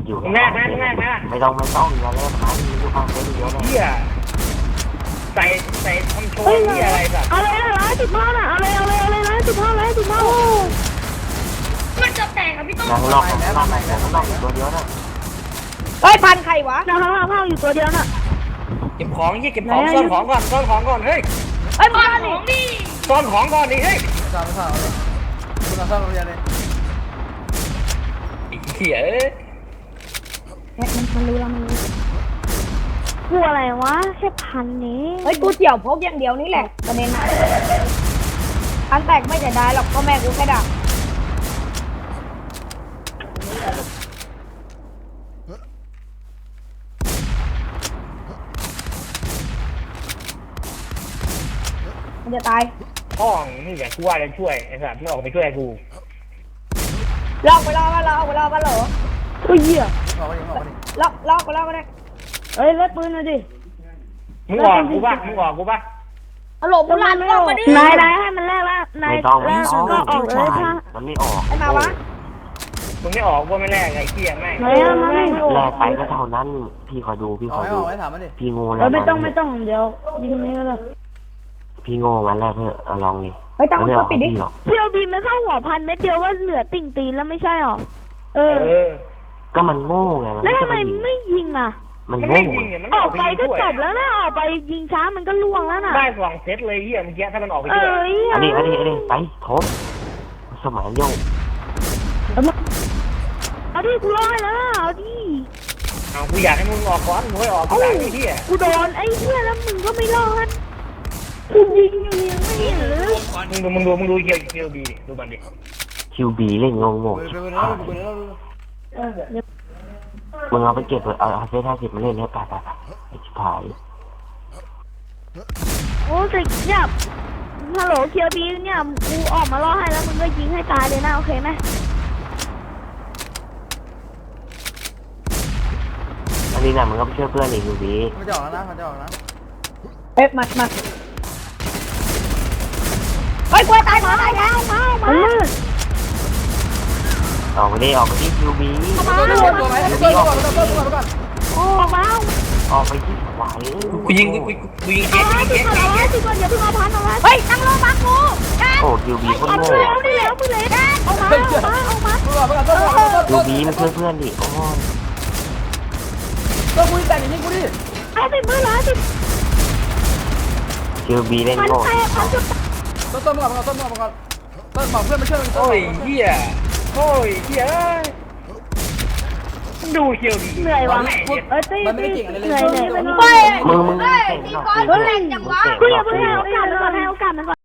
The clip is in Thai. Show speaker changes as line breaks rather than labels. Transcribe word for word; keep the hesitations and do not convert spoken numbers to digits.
อยู่
แม่แม่แม่แม่
ไม่ต้องไม่ต้องอย่าเล่นนะมีลูกค้าเยอะเลย
เฮียใส่ใส่ทำโชว์เฮียอะไรแบบ
เอาเลยร้อยสิบห้าน่ะเอาเลยเอาเลยเอาเลยร้อยสิบห้าร้อยสิบห้า
มันจะแตกกับพี่ต้น
นั่งนอกนั่งนอกนั่งนอกอยู่ตัวเดียวนะ
เฮ้ยพันใครวะนะห้าห้าอยู่ตัวเดียวน่ะ
เก็บของยี่เก็บของซ่อนของก่อนซ่อนของก่อนเฮ้ย
เฮ้ย
บ้า
พั
น
น
ของดิ
ซ่อนของก่อนดิเฮ้ย
สามสามเลยคุณเอาซ่อมโรงเรียนเลย
เฮีย
มันมันรู้แล้วมันรู้กูอะไรวะแค่พันนี้เฮ้ยกูเกี่ยวพกอย่างเดียวนี่แหละประเด็นนะพันแตกไม่จะได้หรอกพ่อแม่กูแค่ด่ามันจะตาย
พ่อนี่แหละกูว่าจะช่วยไอ้สัตว์ไม่ออกไปช่วยกู
ลอกไปลอกมาลอกไปลอกมาเหรอกูเหี้ย
ออกมาดิออกมาดิ
ลอกลอกไปลอกก็ได้เฮ้ยเล่นปืนหน่อยดิ
มึงออกกูป่ะมึงออกกูป่ะ
ฮัลโหลบุรันออกมาดิ
นายนายให้มันแรกละนาย
ไม่ต้อง
แร
ไม่
ก
ต้อง
ก็ออกเลยถ้า
มันไม่ออก
ไอ้มาวะ
มึงไม่ออกกูไม่แลกไอ้เฮียแม่ง
ไม่ไม่ไม่
แลกไปก็เท่านั้นพี่ขอดูพี่
อ
ข
อก
อ
ให้
ดู
ออกให้ถามมันดิ
พี่โง่
เอ
แล้ว
อไม่ต้องไม่ต้องเดี๋ยวยิงนี้ก็ได้
พี่โง่งั้นแรกเถอะเอาลองดิ
ไม่ต้อง
ไม่
ก็
ออก
ปิดดิ
พี่หรอก
เที่ยวบินไม่เข้าหัวพันเม็ดเดียวว่าเหลือติ่งตีนแล้วไม่ใช่หรอเออ
เออ
ก็มันโง่ไงมัน
แล้ว
จะ
ทำไม
ไปยิง
ไม่ยิงอ่ะ
มัน
มัน
โง่
ไม่ยิงเนี่ยมัน
อ
อ
อ
อก ก
ไป
ไป
ก็
ด้วย
จบแล้วนะออกไปยิงช้ามันก็ล่วงแล้วน่ะ
ได้สองเซตเลยเฮียเมื่อกี้ถ้ามันออกไป
เอ
ด้วย
อ
อันนี้อันนี้อันนี้ไปโถมสมัยโยก
เอาดิกูร้อยแล้วเอาดิ
เอากูอยากให้มึงออกก่อนมึงไม่ออกกูหลังไอ้เฮีย
กูโดนไอ้เหี้ยแล้วมึงก็ไม่รอดกูยิงอยู่ยังไม่เห็นหรือ
มึงดูมึงดูมึงดูเฮียเฮียดีดิดูมันดิ
คิวบีเล่นงงง
ไปไปไปแล้วไปแล้ว
เออเดี๋ยว
มึงเอาไปเก็บเอาเอาเซตห้าสิบมาเล่นเนี่ยไปไปไปไอ้ชิบหาย
โอ้สิเนี่ยฮัลโหลเคียวบีเนี่ยกูออกมาล่อให้แล้วมึงก็ยิงให้ตายเลยนะโอเคไหม
อันนี้นะมึงก็ไปช่วยเพื่อนอีกคิวบี
มันจะออกแล้วนะมันจะออกนะ
เอ๊ะมามาเฮ้ยกลัวตายหมอตายแล้วมามา
ออกไปดิออกไปดิคิวบี
ตัวตัวตัวไหมตัวตัวตัวตัวตัวตัว
โอ้มา
ออกไปที่ไหว
กูยิงกูกูกูยิงเจ๊ยิง
ติ
เจ๊
ดก่อน
ยิง
เอา
เจ๊
ติดก่อนอย่าเพิ่งเอาพันเอาไว้เฮ้ยนั่งลงมากู
โอ้คิวบีคน
เอา
โง่
เร็วดิแล้วมึงเลยเอามาเอามาเอามา
ตัวตัวตัวตัว
คิวบีมันช่วยเพื่อนดิโอ้ย
ตัวกูแต่งอย่างนี้กูดิ
เอาสิมือละสิ
คิวบีเล่น
มัน
โง่
แตกมันจุด
ต้นต้นมึงก่อนต้นมึงก่อนต้นบอกเพื่อนมาช่วยมัน
โอ้ยเฮียโอ้ยเฮียดูเฮียดี
เหนื่อยวะเอ้ยตีตีเหนื่อยเหนื่อยไป
มึงมึงเก่งหรอก
ก้อนแตกจังวะ
เก่งหรอก
กูอย่าเพิ่งให้โอกาสมันก่อนให้โอกาสมันก่อน